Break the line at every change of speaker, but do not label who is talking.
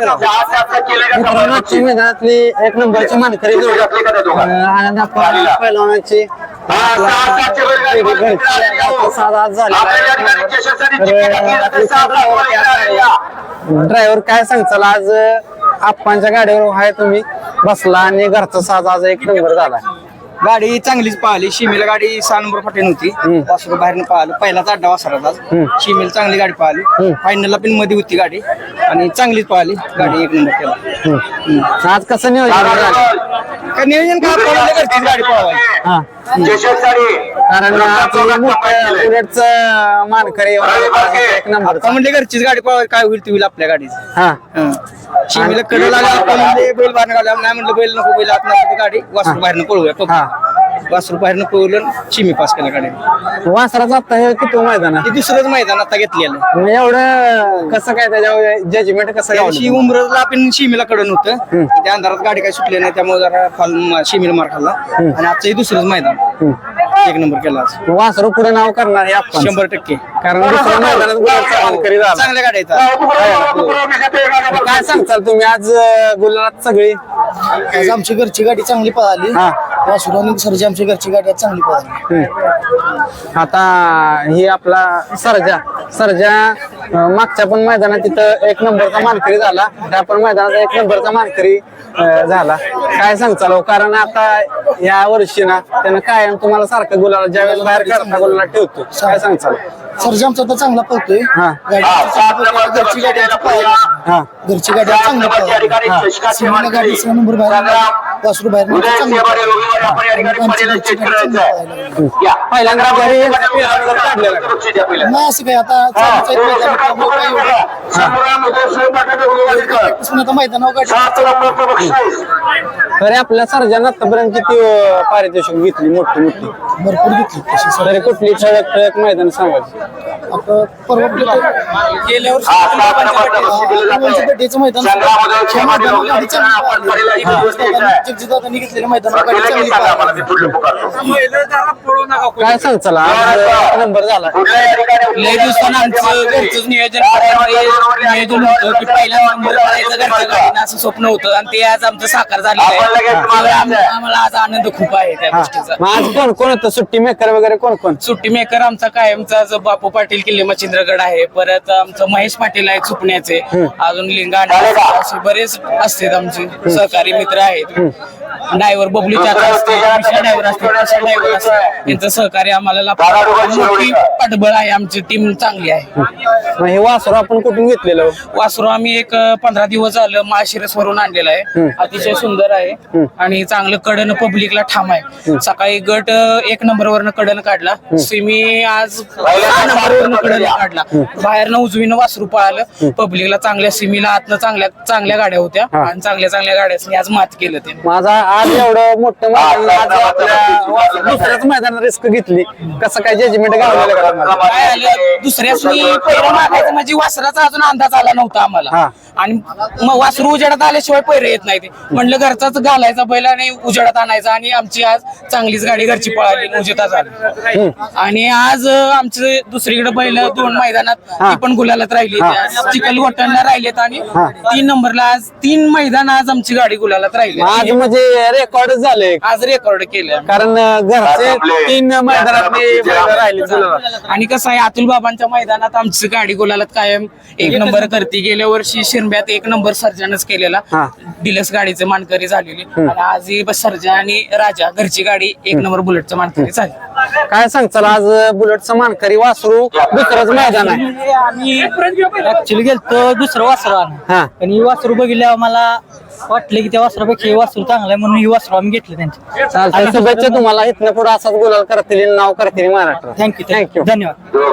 मित्रांनो मैदानातली एक नंबरची मानकरी जोडी आनंद पैलवानाची ड्रायव्हर काय सांगचाल आज आप्पांच्या गाडीवर आहे तुम्ही बसला आणि घरचा साज आज एक नंबर झाला.
गाडी चांगलीच पाहिली. शिमेला गाडी 6 नंबर फाटी नव्हती. वासरू बाहेरनं पाहिलं. पहिलाच अड्डा वासराचा. शिमेला चांगली गाडी पाहिली. फायनलला पण मध्ये होती गाडी आणि चांगलीच पाहिली. गाडी एक नंबर केला.
आज कसं नियोजन
काय नियोजन काय घरचीच गाडी पळवायची.
कारण बुलेटचं मानकरी एक नंबर
म्हणजे घरचीच गाडी पळवायची. काय होईल ती होईल आपल्या गाडीची. शिमेला कडे लागला बैल बाहेर घाला नाही म्हटलं बैल नको बैल आत नसते गाडी वासरू बाहेरनं पळवूया. वासरू बाहेरनं पळवलं शिमी पास केला गाडी.
वासराचा आता हे किती मैदान
ते दुसरंच मैदान आता घेतलेलं.
एवढं कसं काय त्याच्यावर जजमेंट कसं
उमरला आपण शिमीला कडून होतं. त्या अंधारात गाडी काही सुटली नाही त्यामुळे जरा शिमीला मार खाल्ला आणि आजचं हे दुसरंच मैदान एक नंबर केला.
वासरू पुढे नाव करणार आहे
100%.
कारण दुसऱ्या मैदानात
चांगल्या गाड्या
काय सांगताल तुम्ही आज गुलाबात सगळी
आमची घरची गाडी चांगली पळाली. वासरू आणि सरजी आमची घरची गाडी चांगली पळाली.
आता ही आपला सरजा मागच्या पण मैदानात तिथं एक नंबरचा मानकरी झाला. त्या पण मैदानात एक नंबरचा मानकरी झाला. काय सांगताल कारण आता या वर्षी ना त्यानं कायम तुम्हाला सारखं गुलाला ज्यावेळेस बाहेर करता गुलाला ठेवतो. काय सांगताल
सरजी आमचा आता चांगला पळतोय. घरची गाडी घरची गाडी चांगली पळाली. गाडी 6 नंबर बाहेर वासरू बाहेर
पहिल्यांदा घरी
नाही असं काय आता मैदानावर
तरी आपल्या सर्जांना आतापर्यंत किती पारितोषिक घेतली मोठी
भरपूर घेतली.
तरी कुठली ठळक मैदान सांगायची
आता परवा गेल्या वर्षी मैदान जगजितदादांनी घेतलेलं मैदान
काय सांगचाल नंबर झाला.
लय दिवसानं आमचं घरचंच नियोजन होतं की पहिला नंबर करायचं घरच्या गाडीनं असं स्वप्न होतं आणि ते आज आमचं साकार झालेलं आहे. आम्हाला आज आनंद खूप आहे त्या गोष्टीचा.
आज कोण कोण होतं सुट्टी मेकर वगैरे कोण
सुट्टी मेकर आमचा कायमचा जो बापू पाटील किल्ले मच्छिंद्रगड आहे. परत आमचं महेश पाटील आहे सुपण्याचे. अजून लिंगा असे बरेच असतात आमचे सहकारी मित्र आहेत. ड्रायव्हर बबलू चाचा असते ड्रायव्हर असते यांचं सहकार्य आम्हाला मोठी पाठबळ आहे. आमची टीम चांगली आहे.
हे वासरू आपण कुठून घेतलेलं
वासरू आम्ही एक 15 दिवस झालं माळशिरस वरून आणलेला आहे. अतिशय सुंदर आहे आणि चांगलं कडन पब्लिकला ठाम आहे. सकाळी गट 1 नंबर वरनं कडन काढला. सिमी आज 6 नंबर वरनं कडन काढला. बाहेरनं उजवीनं वासरू पळालं. पब्लिकला चांगल्या सिमीला आतनं चांगल्या गाड्या होत्या आणि चांगल्या गाड्या आज मात केलं ते.
माझा आज एवढं मोठं दुसऱ्याच मैदानात रिस्क घेतली कसं काय जजमेंट गावलेलं
काय आलं दुसऱ्यासनी पैर मागायचं म्हणजे वासराचा अजून अंदाज आला नव्हता आम्हाला. आणि मग वासरू उजेडात आल्याशिवाय पैर येत नाही. ते म्हणलं घरचाच घालायचा बैल आणि उजेडात आणायचा आणि आमची आज चांगलीच गाडी घरची पळाली उजेडात झाली. आणि आज आमचे दुसरीकडे बैल 2 मैदानात ती पण गुलालात राहिली. चिखलगोट्यांना राहिलेत आणि 3 नंबरला आज 3 मैदान आज आमची गाडी गुलालात राहिली.
आज म्हणजे रेकॉर्ड झाले.
आज रेकॉर्ड केलं
कारण घरचे 3 मैदानात राहिले.
आणि कसं आहे अतुल बाबांच्या मैदानात आमची गाडी गुलालात कायम 1 नंबर करते. गेल्या वर्षी शिरब्यात 1 नंबर सर्जनच केलेला. डिलक्स गाडीचे मानकरी झालेली आणि आज सर्जा आणि राजा घरची गाडी 1 नंबर बुलेटचं मानकरी झाली.
काय सांगचाल आज बुलेटचं मानकरी वासरू दुसरंच मैदान आहे.
आम्ही ऍक्च्युअली गेलतो दुसरं वासरू पण ही वासरू बघितल्यावर मला वाटलं की त्या वासरापेक्षा ही वासरू चांगला आहे म्हणून ही वासरू आम्ही घेतलं त्यांची.
चालतंय शुभेच्छा तुम्हाला. इथनं पुढे असाच गुलाल करतील नाव करतील महाराष्ट्र.
थँक्यू धन्यवाद.